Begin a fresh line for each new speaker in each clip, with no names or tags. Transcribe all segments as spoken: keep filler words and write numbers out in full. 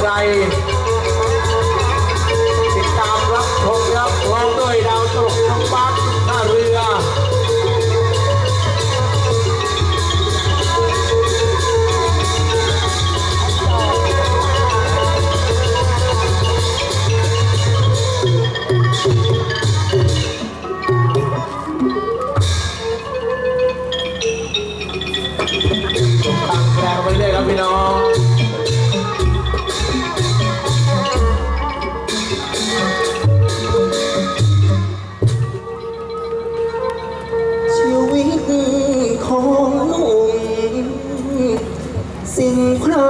ไรติดตามรับชมรับพร้อมด้วยดาวตลกน้องบัสท่าเรือตั้งแรงไปเรื่อยครับพี่น้อง
ชีวิตของหนุ่มสิ่งใคร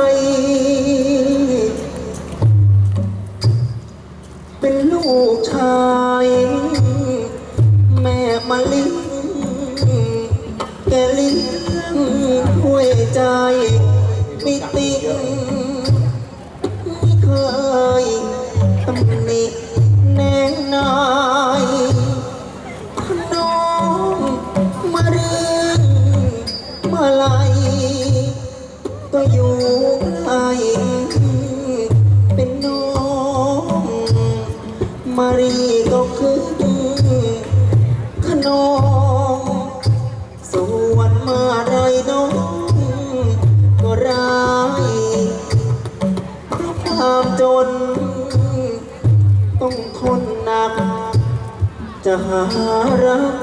เป็นลูกชายแม่มาลิงแกเลี้ยงห้วยใจไม่ติงไม่เคยตำหนิแนงนายน้องมาเรียนมาลายก็อยู่ใกล้เป็นน้องมารีก็คือขนมส่วนมาไรน้องก็ร้ายเพราะความจนต้องทนหนักจะหารัก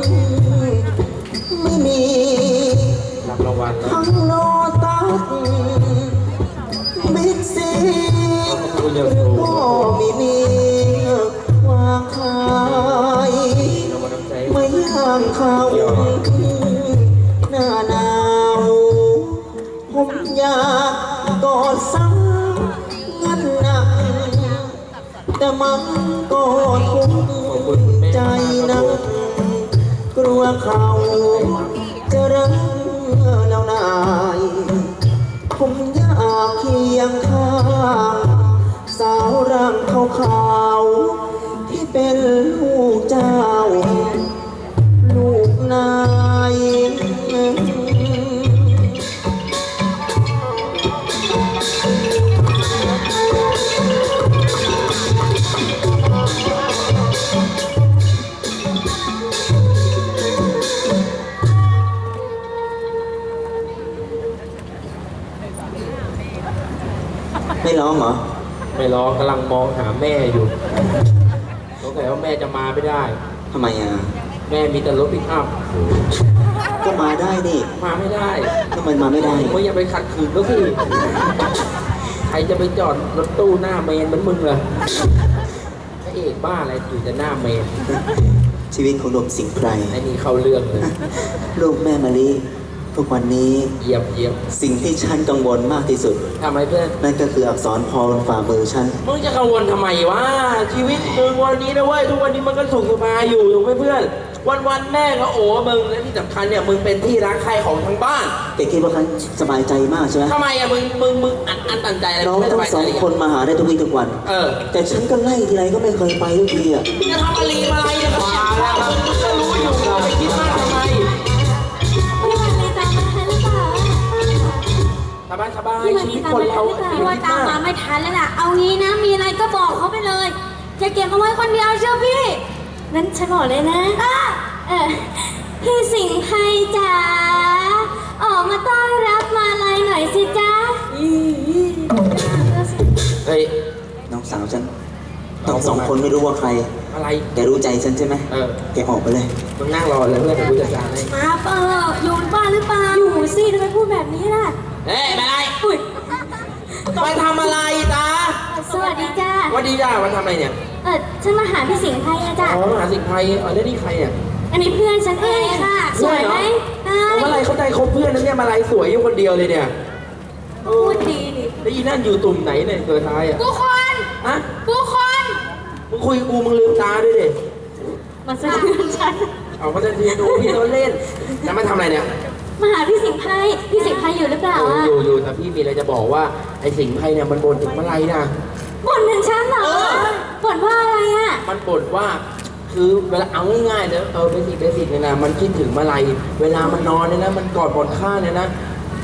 ไม่มี
รับรางวัลนะ
ทั้งโลตัสบิ๊กซีหรือก็มีมีวางขายไม่ย่างข้าวหน้าหนาวผมอยากกอดซ้ำเงินหนักแต่มันก็ทุกข์ใจนักกลัวเขาจะรักแล้วนายผมอยากเคียงข้างสาวร่างขาวๆที่เป็นลูกเจ้าลูกนายไม่ร้องเหรอ
ไม่ร้องกำลังมองหาแม่อยู่สงสัยว่าแม่จะมาไม่ได้
ทำไมอ่ะ
แม่มีแต่รถปิกอัพ
ก็มาได้นี่
มาไม่ได้
ทำไมมาไม่ได้
มึงอย่าไปขัดขืนเขาสิใครจะไปจอดรถตู้หน้าเมนเหมือนมึงเลยพระเอกบ้าอะไรอยู่แต่หน้าเมน
ชีวิตของหนุ่มสิงห์ไพร
ไอ้นี่เข้าเรื่องเลย
ลูกแม่มะลิทุกวันนี้
เยี่ยมเยี่ยม
สิ่งที่ฉันกังวลมากที่สุด
ทำไมเพื่อน
นั่นก็คืออักษรพอบนฝ่ามือฉัน
มึงจะกังวลทำไมวะชีวิตมึงวันนี้นะเว้ยทุกวันนี้มันก็สุขสบายอยู่ถูกไหมเพื่อนวันวันๆแม่ก็โอ้มึงและที่สำคัญเนี่ยมึงเป็นที่รักใครของทั้งบ้าน
แต่คิดว่าฉันสบายใจมากใช่ไหม
ทำไมอะมึงมึงมึงอันอันตันใจอะไร
น้อง
ไม่ส
ทั้ง
บาย
ส
ใจ
อง
เลย
คนมาหาได้ทุกวี่ทุกวัน
เออ
แต่ฉันก็ไล่ทีไรก็ไม่เคยไปทุกทีอ่ะ
มึงจะทำอะไรมาอะไรเนี่ยมาแล้วครับมึงก็รู้อยู่เราไปคิดมากทำไม
พี่วันนี้ตามมาทันหรือเปล่า
สบายสบาย
พี่วัน
ชีวิ
นี้
ต
ตาม
คน
มาทั
เรา
นหรือเปล่าพี่ว่าตามมาไม่ทันแล้วล่ะ เอางี้นะ มีอะไรก็บอกเขาไปเลยจะเก็บเอาไว้คนเดียวเชื่อพี่ นั้นฉันบอกเลยนะเออพี่สิงห์ไทยจ๋า ออกมาต้อนรับมาลัยหน่อยสิจ๊ะ
เฮ้ย
น้องสาวฉันทั้งสองคนไม่รู้ว่าใคร
อะไร
แกรู้ใจฉันใช่ไหม
เออ
แกออกไปเลย
มึงนั่งรอเลยเพื่อนเดี๋ยวกูจัดการให้
มาเปล่าอยู่บ้านหรือเปล่า อยู่สิทำไมพูดแบบนี้ล่ะ
เฮ้ยมาอะไร
อุ๊ย
ไปทำอะไรตา
สวัสดีจ้า
วันดีจ้าวันทำอะไรเนี่ย
เออฉันมาหาพี่สิงห์ไทยอะจ้ะ
อ๋อมหาสิงห์ไทยเออได้นี่ใครเนี่ย
อันนี้เพื่อนฉันเองค่ะ สวยไหมใช่
เมื่อไรเขาใจคบเพื่อนนั้นเนี่ยมาลายสวยอยู่คนเดียวเลยเนี่ย
พูดดีดิ
แล้วอีนั่นอยู่ตุ่มไหนเนี่ยตัวท้ายอ่ะ
กูคน
ฮะ
กูคน
มึงคุยกับกูมึงลืมตาด้วยดิ
มาสะเทือนฉัน
เอาก็จะเรียนดูพี่เขาเล่นแล้วมาทำอะไรเนี่ย
มาหาพี่สิงห์ไพรพี่สิงห์ไพรอยู่หรือเปล่าอะ
อยู่อยู่แต่พี่มีอะไรจะบอกว่าไอ้สิงห์ไพรเนี่ยมันบ่นถึงมาลายนะ
บ่นถึงฉันเหรอ
เออ
บ่นว่าอะไรอะ
มันบ่นว่า คือเวลาเอาง่ายๆเลยเออเบสิกเบสิกเนี่ยนะมันคิดถึงมาลายเวลามันนอนเนี่ยนะมันกอดบนข้างเนี่ยนะ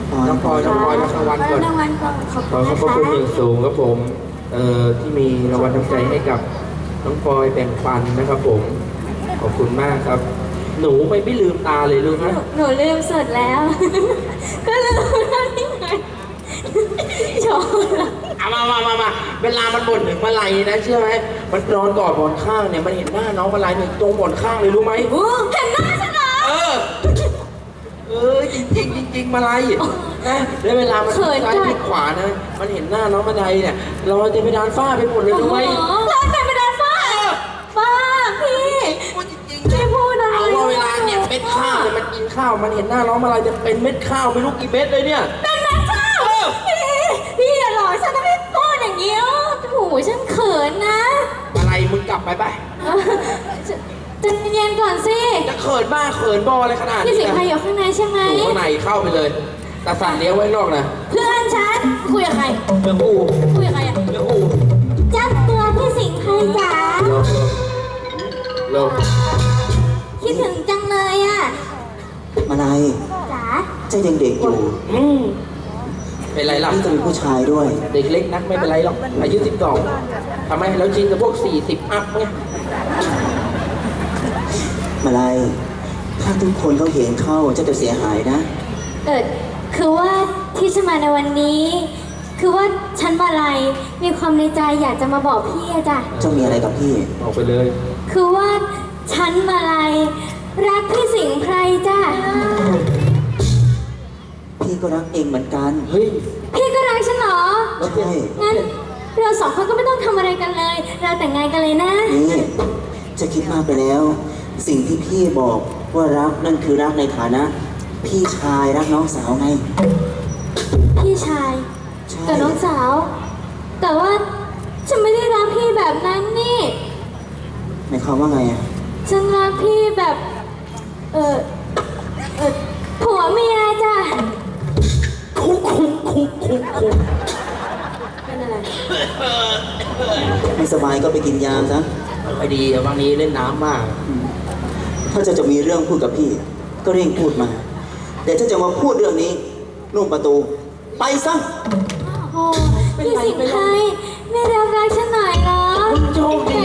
น้องพลอยน้องพลอยรับรางวัลก่อน
รางวัลก่อนขอบ
ข
คุ
อ
ณ
ขอบ
นะ
พระ
คะ
คุณอย่างสูงครับผมเอ่อที่มีรางวัลน้ำใจให้กับน้องพลอยแบ่งปันนะครับผมขอบคุณมากครับ หนูไม่ไม่ลืมตาเลยลูก
หนู
นะ
หนูลืมสดแล้ว ก็ลืมแล้วนี่ไงโชว์ละ
เอามามามามาเวลามันบ่นถึงมาลัยนะเชื่อไหมมันนอนกอดหมอนข้างเนี่ยมันเห็นหน้าน้องมาลัยเนี่ยตรงหมอนข้างเลยรู้ไหม
โอ้เห็นหน้าฉันเหรอ
เออ เออจริงจริงจริงจริงมาลัยนะแล้วเวลามัน
เขิน
ซ้าย
จัง
พลิกขวานะ มันเห็นหน้าน้องมาลัยเนี่ยรอยเต็มไปดานฝ้าไปหมดเลยรู้ไหม
โอ้โหร้านแต่งเป็นดานฟ้าฟ้าพี่
พูดจริง
พี่พูดอะไร
เอาว่าเวลาเนี่ยเม็ดข้าวเนี่ยมันกินข้าวมันเห็นหน้าน้องมาลัยจะเป็นเม็ดข้าวไม่รู้กี่เม็ดเลยเนี่ย
เป็นแม่ข้าวพี่พี่อย่าหลอกฉันนะพี่พูดอย่างนี้อ๋อโอ้โหฉันเขินนะ
อะไรมึงกลับไปไป
เออจะเย็นก่อนสิ
จะเขินบ้าเขินบออะไรขนาด
พี่
นี้
สิงห์ไพอยู่ข้างในใช่ไหม
อยู่ข้างในเข้าไปเลยตาสันเลี้ยวไว้ข้างนอกนะ
เพื่อนฉันคุยกับใคร
เรื่องอู
คุยกับใครอะ
เรื่องอู
จับตัวพี่สิงห์ไพจ๋า
เร็วเร็ว
คิดถึงจังเลยอะ
มาลัย
จ๋า
เจ้ายังเด็กอยู่
อืมเป็นไรล่ะ
พี่ก็เป็นผู้ชายด้วย
เด็กเล็กนักไม่เป็นไรหรอกอายุสิบสองทำไมเราชินกับพวกสี่สิบอัพไง
มาลัยถ้าทุกคนเขาเห็นเข้าเจ้าจะเสียหายนะ
เออคือว่าที่ฉันมาในวันนี้ คือว่าฉันมาลัยมีความในใจอยากจะมาบอกพี่อะจ้ะ
เจ้ามีอะไรกับพี่
ออกไปเลย
คือว่าฉันมาลัยรักพี่สิงห์ไพรจ้ะ
พี่ก็รักเองเหมือนกัน
เฮ้ย
พี่ก็รักฉันเหรอ
ใช่
งั้นเราสองคนก็ไม่ต้องทำอะไรกันเลย เราแต่งงานกันเลยนะ
นี่จะคิดมากไปแล้ว สิ่งที่พี่บอกว่ารักนั่นคือรักในฐานะ พี่ชายรักน้องสาวไง
พี่ชาย
ใช่
กับน้องสาว แต่ว่าฉันไม่ได้รักพี่แบบนั้นนี่
หมายความว่าไงอะ
ฉันรักพี่แบบ เออเออผัวเมียจ้ะ
คุกคุกคุกคุกคุก
เป็นอะไร
ไม่สบายก็ไปกินยาซะ
ไม่ดีบางนี้เล่นน้ำมาก
ถ้าเจ้าจะมีเรื่องพูดกับพี่ ก็เร่งพูดมา เดี๋ยวเจ้าจะมาพูดเรื่องนี้นุ่มประตู ไปซะ
โอ้โหพี่สิงห์ไพรไม่รักรักฉันหน่อยเหรอ
มึงโชคดี